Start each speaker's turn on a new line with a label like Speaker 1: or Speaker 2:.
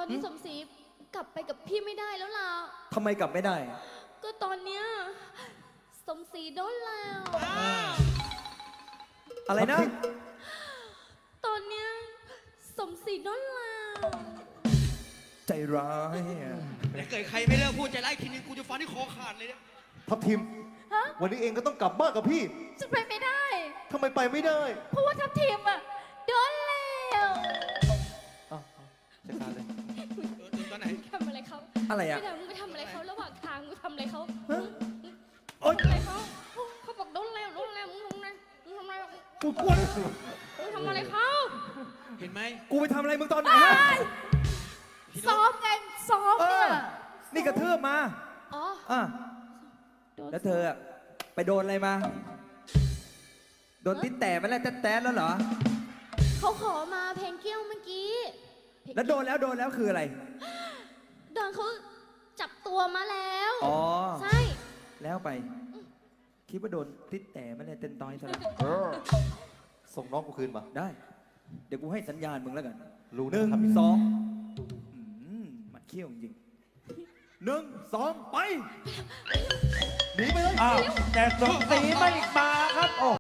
Speaker 1: อนนี้สมศรีกลับไปกับพี่ไม่ได้แล้วล่ะ
Speaker 2: ทำไมกลับไม่ได้
Speaker 1: ก็ตอนเนี้ยสมศรีโดนแล้ว
Speaker 2: อะไรนะ
Speaker 1: ตอนเนี้ยสมศรีโดนแล้ว
Speaker 2: ใจร้ายอะ
Speaker 3: ถ้าเกิดใครไม่เลิกพูดใจร้ายทีนึงกูจะฟันที่คอขาดเลยเนี่ย
Speaker 4: ทัพทิม
Speaker 1: ฮะ
Speaker 4: วันนี้เองก็ต้องกลับบ้านกับพี่
Speaker 1: จะไปไม่ได้
Speaker 4: ทำไมไปไม่ได้
Speaker 1: เพราะว่าทัพทีมอะโดนแล้ว
Speaker 4: อ้าวจัดการเลย
Speaker 3: โดนตอนไหน
Speaker 1: ทำอะไรเขา
Speaker 2: อะไรอะ
Speaker 1: ไม่ได้มึงไปทำอะไรเขาระหว่างทางมึงทำอะไรเขา
Speaker 2: โอ๊ย
Speaker 1: ทำอะไรเขาเขาบอกโดนแล้วมึงทำอะไรมึงทำอะไร
Speaker 2: กูกลัว
Speaker 1: มึงทำอะไรเขา
Speaker 3: เห็นไหม
Speaker 2: กูไปทำอะไรมึงตอนไหนฮะ
Speaker 3: พี่น
Speaker 1: ซ้อก มไงซ้อม
Speaker 2: เอ
Speaker 1: เนี่
Speaker 2: อย นี่กระเทือบมา
Speaker 1: อ๋อ
Speaker 2: อ่ะ
Speaker 1: โดน
Speaker 2: แล้วเธออะไปโดนอะไรมา โดนติ๊ดแต่มาแล้วแต๊ดแล้วเหรอ
Speaker 1: เขาขอมาเพลงเกี้ยวเมื่อกี้
Speaker 2: แล้วโดนแล้วคืออะไร
Speaker 1: โดนเขาจับตัวมาแล้ว
Speaker 2: อ๋อ
Speaker 1: ใช่
Speaker 2: แล้วไป คิดว่าโดนติ๊ดแต่มาแล้วเต้นต้อยซะแล้ว
Speaker 4: ส่งน้องกูคืนมา
Speaker 2: ได้ เดี๋ยวกูให้สัญญาณมึงแล้วกัน
Speaker 4: รู้
Speaker 2: หนึ่ง
Speaker 4: นะครับ
Speaker 2: สองมันเขี้ยวจริงหนึ่งสองไป
Speaker 4: หนีไปเลย
Speaker 5: อ้าวแต่สมศรีไม่มาครับโอ้